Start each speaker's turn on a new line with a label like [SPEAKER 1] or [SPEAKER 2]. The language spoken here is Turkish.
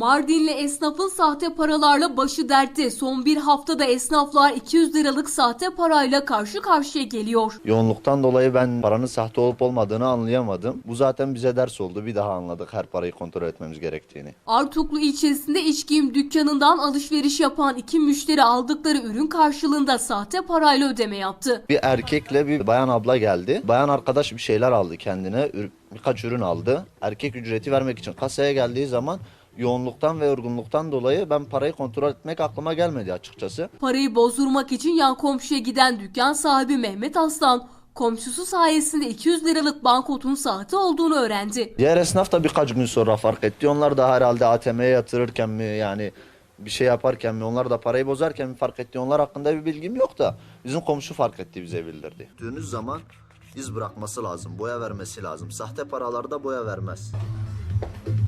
[SPEAKER 1] Mardinli esnafın sahte paralarla başı dertte. Son bir haftada esnaflar 200 liralık sahte parayla karşı karşıya geliyor.
[SPEAKER 2] Yoğunluktan dolayı ben paranın sahte olup olmadığını anlayamadım. Bu zaten bize ders oldu. Bir daha anladık her parayı kontrol etmemiz gerektiğini.
[SPEAKER 1] Artuklu ilçesinde iç giyim dükkanından alışveriş yapan iki müşteri aldıkları ürün karşılığında sahte parayla ödeme yaptı.
[SPEAKER 2] Bir erkekle bir bayan abla geldi. Bayan arkadaş bir şeyler aldı kendine. Birkaç ürün aldı. Erkek ücreti vermek için kasaya geldiği zaman yoğunluktan ve yorgunluktan dolayı ben parayı kontrol etmek aklıma gelmedi açıkçası.
[SPEAKER 1] Parayı bozdurmak için yan komşuya giden dükkan sahibi Mehmet Aslan, komşusu sayesinde 200 liralık banknotun sahte olduğunu öğrendi.
[SPEAKER 2] Diğer esnaf da birkaç gün sonra fark etti. Onlar da herhalde ATM'ye yatırırken mi yani bir şey yaparken mi onlar da parayı bozarken mi fark etti. Onlar hakkında bir bilgim yok da bizim komşu fark etti, bize bildirdi. Döndüğünüz zaman iz bırakması lazım, boya vermesi lazım. Sahte paralarda boya vermez.